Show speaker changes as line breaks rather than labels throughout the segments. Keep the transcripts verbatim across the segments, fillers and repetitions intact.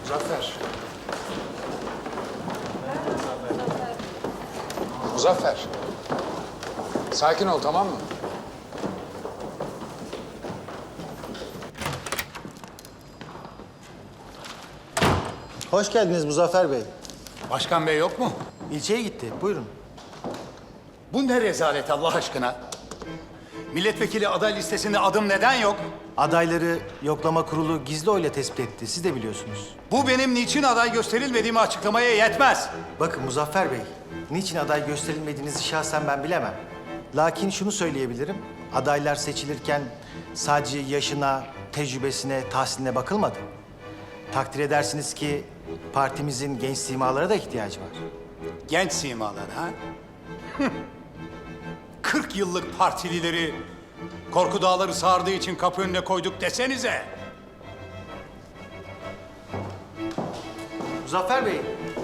Muzaffer. Muzaffer. Sakin ol, tamam mı?
Hoş geldiniz Muzaffer Bey.
Başkan bey yok mu?
İlçeye gitti. Buyurun.
Bu ne rezalet Allah aşkına? Milletvekili aday listesinde adım neden yok?
Adayları yoklama kurulu gizli oyla tespit etti. Siz de biliyorsunuz.
Bu benim niçin aday gösterilmediğimi açıklamaya yetmez.
Bakın Muzaffer Bey, niçin aday gösterilmediğinizi şahsen ben bilemem. Lakin şunu söyleyebilirim. Adaylar seçilirken sadece yaşına, tecrübesine, tahsiline bakılmadı. Takdir edersiniz ki partimizin genç simalara da ihtiyacı var.
Genç simalar ha? kırk yıllık partilileri korku dağları sardığı için kapı önüne koyduk desenize.
Muzaffer Bey,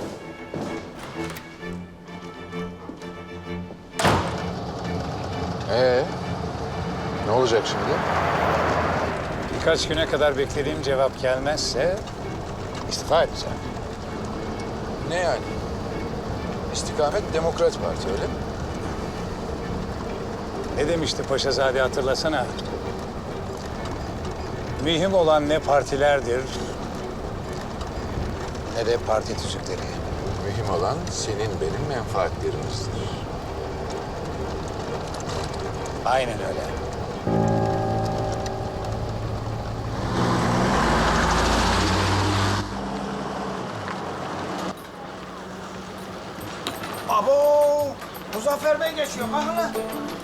Ee, ne olacak şimdi?
Birkaç güne kadar beklediğim cevap gelmezse istifa edeceğim.
Ne yani? İstikamet Demokrat Parti, öyle mi?
Ne demişti Paşazade hatırlasana? Mühim olan ne partilerdir ne de parti tüzükleri.
Mühim olan senin benim menfaatlerimizdir.
Aynen öyle.
Abo! Muzaffer Bey geçiyor. Bakın lan.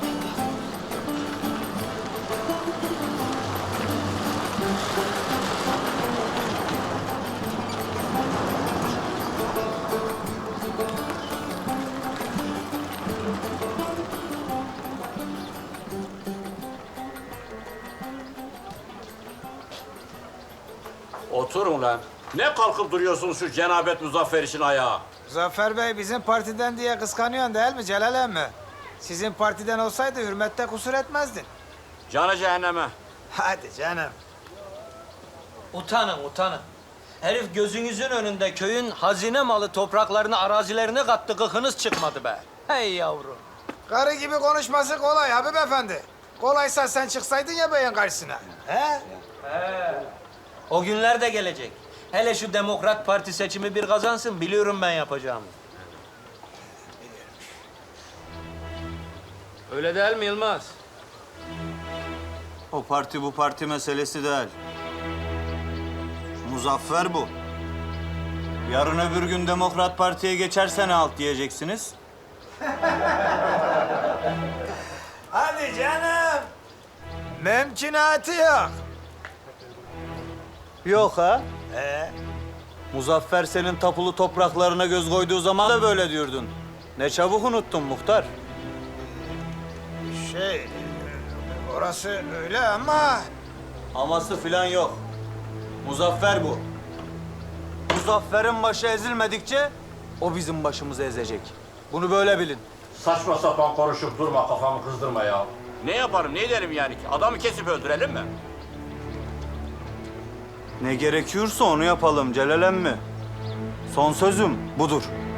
Oturun lan. Ne kalkıp duruyorsunuz şu cenabet Muzaffer için ayağa?
Muzaffer Bey bizim partiden diye kıskanıyorsun değil mi Celal emmi? Sizin partiden olsaydı hürmette kusur etmezdin.
Canı cehenneme.
Hadi canım.
Utanın, utanın. Herif gözünüzün önünde köyün hazine malı topraklarını, arazilerini kattı, gıkınız çıkmadı be. Hey yavrum.
Karı gibi konuşması kolay Habib Efendi. Kolaysa sen çıksaydın ya beyin karşısına. He?
O günler de gelecek. Hele şu Demokrat Parti seçimi bir kazansın, biliyorum ben yapacağımı. Öyle değil mi Yılmaz?
O parti bu parti meselesi değil. Muzaffer bu. Yarın öbür gün Demokrat Parti'ye geçerse ne alt diyeceksiniz?
Hadi canım. Mümkünatı yok.
Yok ha?
Ee,
Muzaffer senin tapulu topraklarına göz koyduğu zaman da böyle diyordun. Ne çabuk unuttun muhtar.
şey, orası öyle ama...
Aması filan yok. Muzaffer bu. Muzaffer'in başı ezilmedikçe o bizim başımızı ezecek. Bunu böyle bilin.
Saçma sapan konuşup durma, kafamı kızdırma ya. Ne yaparım, ne derim yani ki? Adamı kesip öldürelim mi?
Ne gerekiyorsa onu yapalım Celal emmi. Son sözüm budur.